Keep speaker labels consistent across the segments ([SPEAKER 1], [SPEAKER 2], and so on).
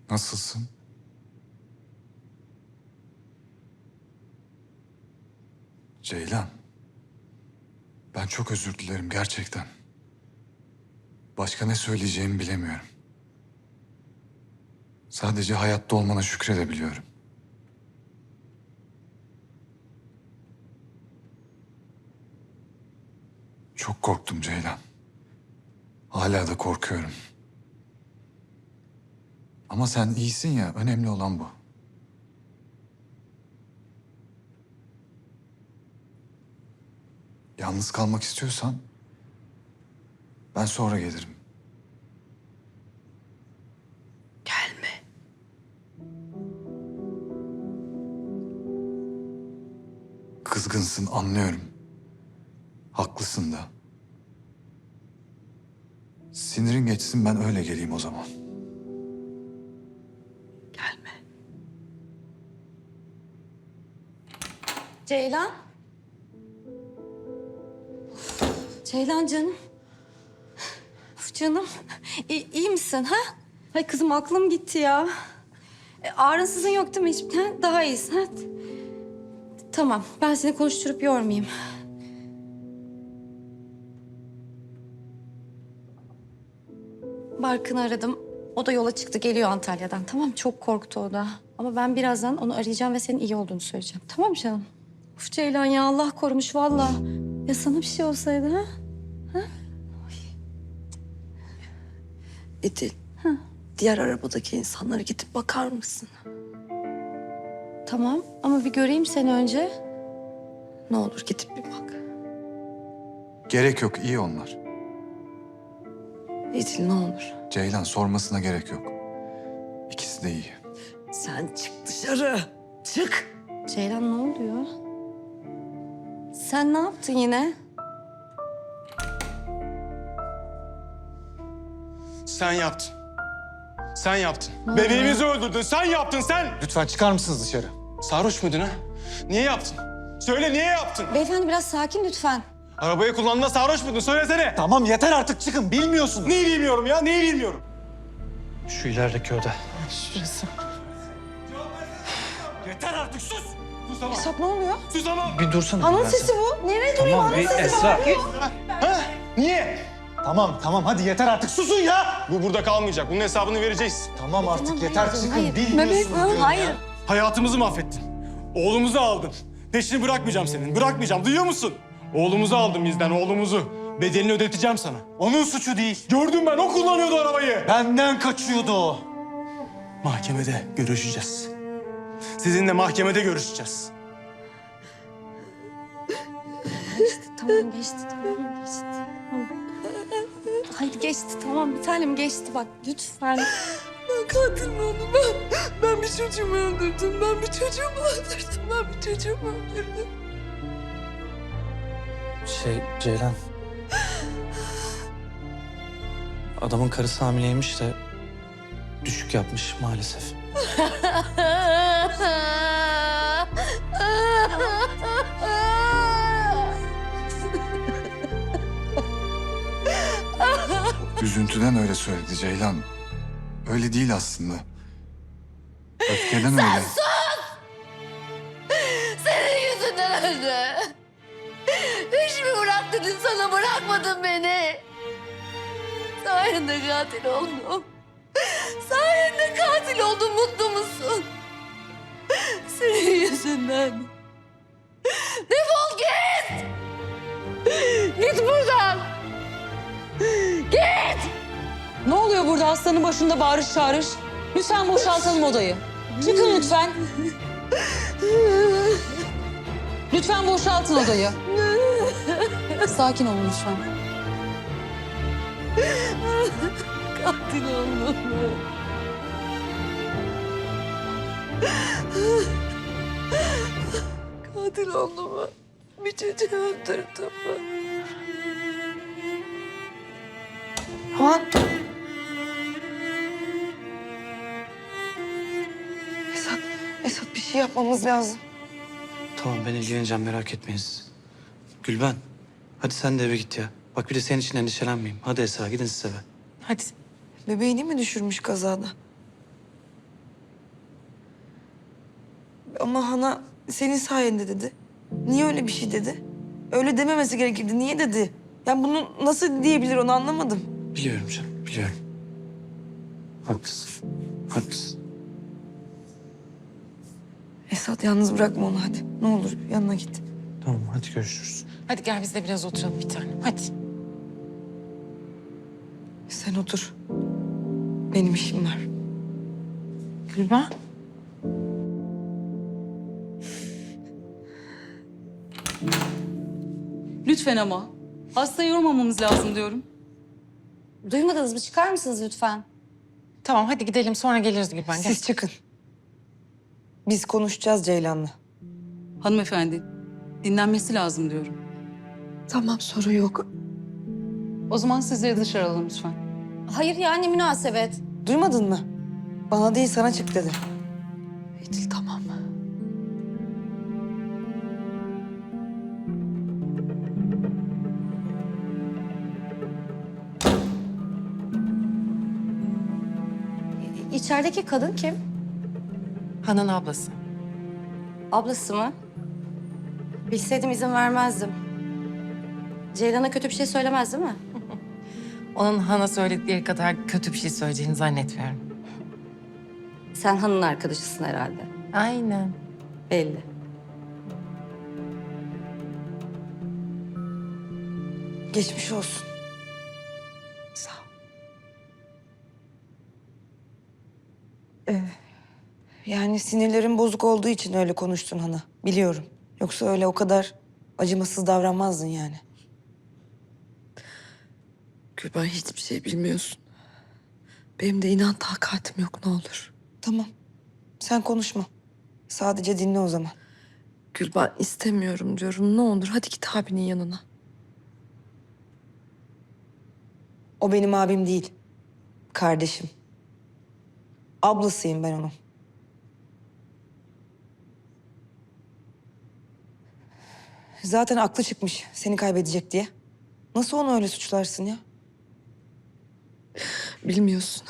[SPEAKER 1] Nasılsın? Ceylan. Ben çok özür dilerim gerçekten. Başka ne söyleyeceğimi bilemiyorum. Sadece hayatta olmana şükredebiliyorum. Çok korktum Ceylan. Hala da korkuyorum. Ama sen iyisin ya, önemli olan bu. Yalnız kalmak istiyorsan ben sonra gelirim.
[SPEAKER 2] Gelme.
[SPEAKER 1] Kızgınsın, anlıyorum. Haklısın da. Sinirin geçsin, ben öyle geleyim o zaman.
[SPEAKER 2] Gelme.
[SPEAKER 3] Ceylan. Ceylan canım. Uf canım. İyi misin ha? Hay kızım aklım gitti ya. Ağrınsızın yok değil mi hiç? Ha? Daha iyisin ha? Tamam ben seni konuşturup yormayayım. Barkın'ı aradım. O da yola çıktı geliyor Antalya'dan. Tamam çok korktu o da. Ama ben birazdan onu arayacağım ve senin iyi olduğunu söyleyeceğim. Tamam mı canım? Uf Ceylan ya Allah korumuş vallahi. Ya sana bir şey olsaydı ha?
[SPEAKER 2] İdil. Diğer arabadaki insanlara gidip bakar mısın?
[SPEAKER 3] Tamam ama bir göreyim seni önce.
[SPEAKER 2] Ne olur gidip bir bak.
[SPEAKER 1] Gerek yok, iyi onlar.
[SPEAKER 2] İdil ne olur.
[SPEAKER 1] Ceylan, sormasına gerek yok. İkisi de iyi.
[SPEAKER 2] Sen çık dışarı. Çık.
[SPEAKER 3] Ceylan ne oluyor? Sen ne yaptın yine?
[SPEAKER 4] Sen yaptın. Sen yaptın.
[SPEAKER 3] Ne oluyor?
[SPEAKER 4] Bebeğimizi öldürdün. Sen yaptın sen.
[SPEAKER 1] Lütfen çıkar mısınız dışarı?
[SPEAKER 4] Sarhoş muydun ha? Niye yaptın? Söyle niye yaptın?
[SPEAKER 3] Beyefendi biraz sakin lütfen.
[SPEAKER 4] Arabayı kullandığında sarhoş muydun? Söylesene.
[SPEAKER 5] Tamam yeter artık çıkın bilmiyorsunuz.
[SPEAKER 4] Neyi bilmiyorum ya? Neyi bilmiyorum?
[SPEAKER 5] Şu ilerideki oda.
[SPEAKER 2] Şurası.
[SPEAKER 4] Yeter artık sus. Susamam.
[SPEAKER 3] Esat ne oluyor?
[SPEAKER 4] Susamam.
[SPEAKER 5] Bir dursana.
[SPEAKER 3] Anın
[SPEAKER 5] ben
[SPEAKER 3] sesi
[SPEAKER 5] sana.
[SPEAKER 3] bu. Nereye duruyor
[SPEAKER 5] Tamam
[SPEAKER 3] anın
[SPEAKER 5] bir
[SPEAKER 3] sesi?
[SPEAKER 5] Esra.
[SPEAKER 4] Ha? Niye?
[SPEAKER 5] Tamam hadi yeter artık susun ya.
[SPEAKER 4] Bu burada kalmayacak. Bunun hesabını vereceğiz.
[SPEAKER 5] Tamam artık
[SPEAKER 3] Tamam,
[SPEAKER 5] yeter
[SPEAKER 3] hayır,
[SPEAKER 5] çıkın
[SPEAKER 3] hayır.
[SPEAKER 5] bilmiyorsunuz diyorum ya.
[SPEAKER 3] Hayır.
[SPEAKER 4] Hayatımızı mahvettin. Oğlumuzu aldın. Peşini bırakmayacağım senin. Bırakmayacağım. Duyuyor musun? Oğlumuzu aldın bizden, oğlumuzu. Bedelini ödeteceğim sana.
[SPEAKER 5] Onun suçu değil.
[SPEAKER 4] Gördüm ben. O kullanıyordu arabayı.
[SPEAKER 5] Benden kaçıyordu o.
[SPEAKER 4] Mahkemede görüşeceğiz. Sizinle mahkemede görüşeceğiz.
[SPEAKER 3] Tamam geçti tamam geçti. Tamam. Hayır geçti tamam bir tanem geçti bak lütfen.
[SPEAKER 2] Ben katil mi oldum? Ben bir çocuğumu öldürdüm. Ben bir çocuğumu öldürdüm. Ben bir çocuğumu öldürdüm.
[SPEAKER 5] Ceylan. Adamın karısı hamileymiş de düşük yapmış maalesef.
[SPEAKER 1] Üzüntüden öyle söyledi Ceylan. Öyle değil aslında. Öfkeden öyle.
[SPEAKER 6] Senin yüzünden öldü. Hiç mi bırak dedin sana bırakmadın beni. Sayende katil oldum. Sayende katil oldum mutlu musun? Senin yüzünden. Defol git. Git buradan. Git.
[SPEAKER 7] Ne oluyor burada hastanın başında bağırış çağırış? Lütfen boşaltalım odayı. Çıkın lütfen. Lütfen boşaltın odayı. Sakin olun lütfen.
[SPEAKER 6] Katil oldum.
[SPEAKER 2] Katil oldum mu? Bir çocuğu öldürdüm mü? Aman. Esat bir şey yapmamız lazım.
[SPEAKER 5] Tamam ben ilgileneceğim merak etmeyin siz. Gülben hadi sen de eve git ya. Bak bir de senin için endişelenmeyeyim. Hadi Esra gidin siz eve.
[SPEAKER 2] Hadi. Bebeğini mi düşürmüş kazada? Ama Hana senin sayende dedi. Niye öyle bir şey dedi? Öyle dememesi gerekirdi. Niye dedi? Yani bunu nasıl diyebilir onu anlamadım.
[SPEAKER 5] Biliyorum canım, biliyorum. Haklısın, haklısın.
[SPEAKER 2] Esat yalnız bırakma onu hadi. Ne olur yanına git.
[SPEAKER 5] Tamam, hadi görüşürüz.
[SPEAKER 8] Hadi gel biz de biraz oturalım bir tanem. Hadi.
[SPEAKER 2] Sen otur. Benim işim var.
[SPEAKER 8] Gülben.
[SPEAKER 7] Lütfen ama. Hastayı yormamamız lazım diyorum.
[SPEAKER 3] Duymadınız mı? Çıkar mısınız lütfen?
[SPEAKER 8] Tamam hadi gidelim sonra geliriz Gülben. Gel.
[SPEAKER 2] Siz çıkın. Biz konuşacağız Ceylan'la.
[SPEAKER 7] Hanımefendi, dinlenmesi lazım diyorum.
[SPEAKER 2] Tamam sorun yok.
[SPEAKER 7] O zaman sizleri dışarı alalım lütfen.
[SPEAKER 3] Hayır yani münasebet.
[SPEAKER 2] Duymadın mı? Bana değil sana çık dedi. Edil tamam.
[SPEAKER 3] İçerideki kadın kim?
[SPEAKER 8] Han'ın ablası.
[SPEAKER 3] Ablası mı? Bilseydim izin vermezdim. Ceylan'a kötü bir şey söylemez değil mi?
[SPEAKER 8] Onun Han'a söyledikleri kadar kötü bir şey söyleyeceğini zannetmiyorum.
[SPEAKER 3] Sen Han'ın arkadaşısın herhalde.
[SPEAKER 8] Aynen.
[SPEAKER 3] Belli.
[SPEAKER 2] Geçmiş olsun. Sağ ol. Yani sinirlerin bozuk olduğu için öyle konuştun Hana. Biliyorum. Yoksa öyle o kadar acımasız davranmazdın yani.
[SPEAKER 9] Gülben hiçbir şey bilmiyorsun. Benim de inan takatim yok ne olur.
[SPEAKER 2] Tamam. Sen konuşma. Sadece dinle o zaman.
[SPEAKER 9] Gülben istemiyorum diyorum ne olur hadi git abinin yanına.
[SPEAKER 2] O benim abim değil. Kardeşim. Ablasıyım ben onun. Zaten aklı çıkmış seni kaybedecek diye. Nasıl onu öyle suçlarsın ya?
[SPEAKER 9] Bilmiyorsun.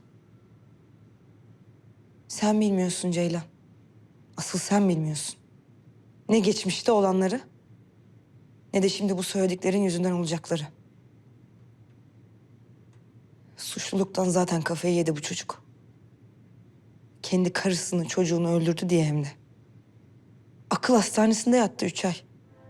[SPEAKER 2] Sen bilmiyorsun Ceylan. Asıl sen bilmiyorsun. Ne geçmişte olanları ne de şimdi bu söylediklerin yüzünden olacakları. Suçluluktan zaten kafayı yedi bu çocuk. Kendi karısını, çocuğunu öldürdü diye hem de. Akıl hastanesinde yattı 3 ay.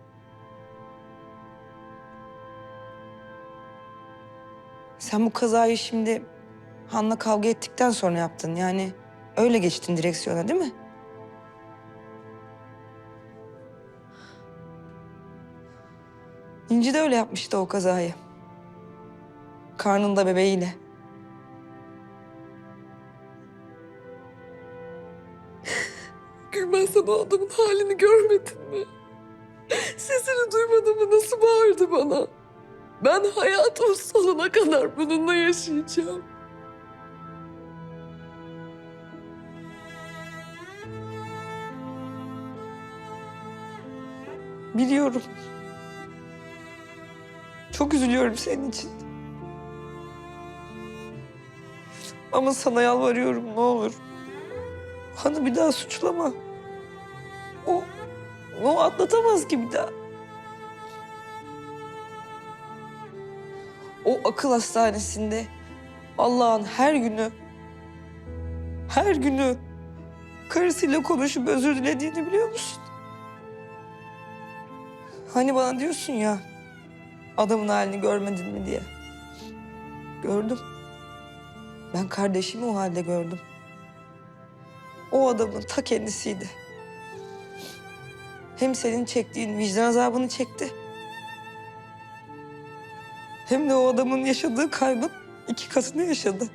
[SPEAKER 2] Sen bu kazayı şimdi Han'la kavga ettikten sonra yaptın. Yani öyle geçtin direksiyona değil mi? İnci de öyle yapmıştı o kazayı. Karnında bebeğiyle.
[SPEAKER 9] Gülben sen o adamın halini görmedin mi? Sesini duymadın mı nasıl bağırdı bana? Ben hayatımın sonuna kadar bununla yaşayacağım.
[SPEAKER 2] Biliyorum. Çok üzülüyorum senin için. Ama sana yalvarıyorum ne olur. Hanı bir daha suçlama. O atlatamaz ki bir daha. O akıl hastanesinde Allah'ın her günü karısıyla konuşup özür dilediğini biliyor musun? Hani bana diyorsun ya, adamın halini görmedin mi diye. Gördüm. Ben kardeşimi o halde gördüm. O adamın ta kendisiydi. Hem senin çektiğin vicdan azabını çekti. Hem de o adamın yaşadığı kaybın 2 katını yaşadı.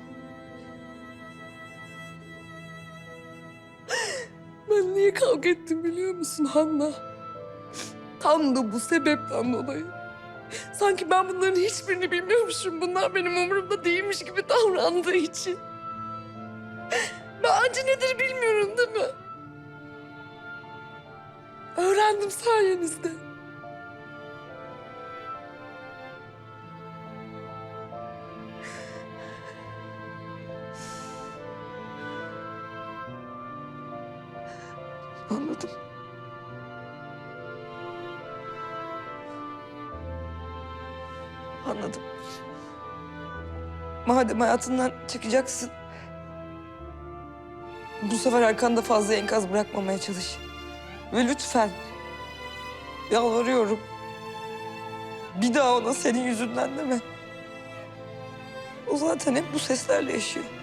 [SPEAKER 9] Ben niye kavga ettim biliyor musun Hanna? Tam da bu sebepten dolayı. Sanki ben bunların hiçbirini bilmiyormuşum. Bunlar benim umurumda değilmiş gibi davrandığı için. Ben acı nedir bilmiyorum değil mi? Öğrendim sayenizde.
[SPEAKER 2] Anladım. Madem hayatından çıkacaksın, bu sefer arkanda fazla enkaz bırakmamaya çalış. Ve lütfen, yalvarıyorum, bir daha ona senin yüzünden deme. O zaten hep bu seslerle yaşıyor.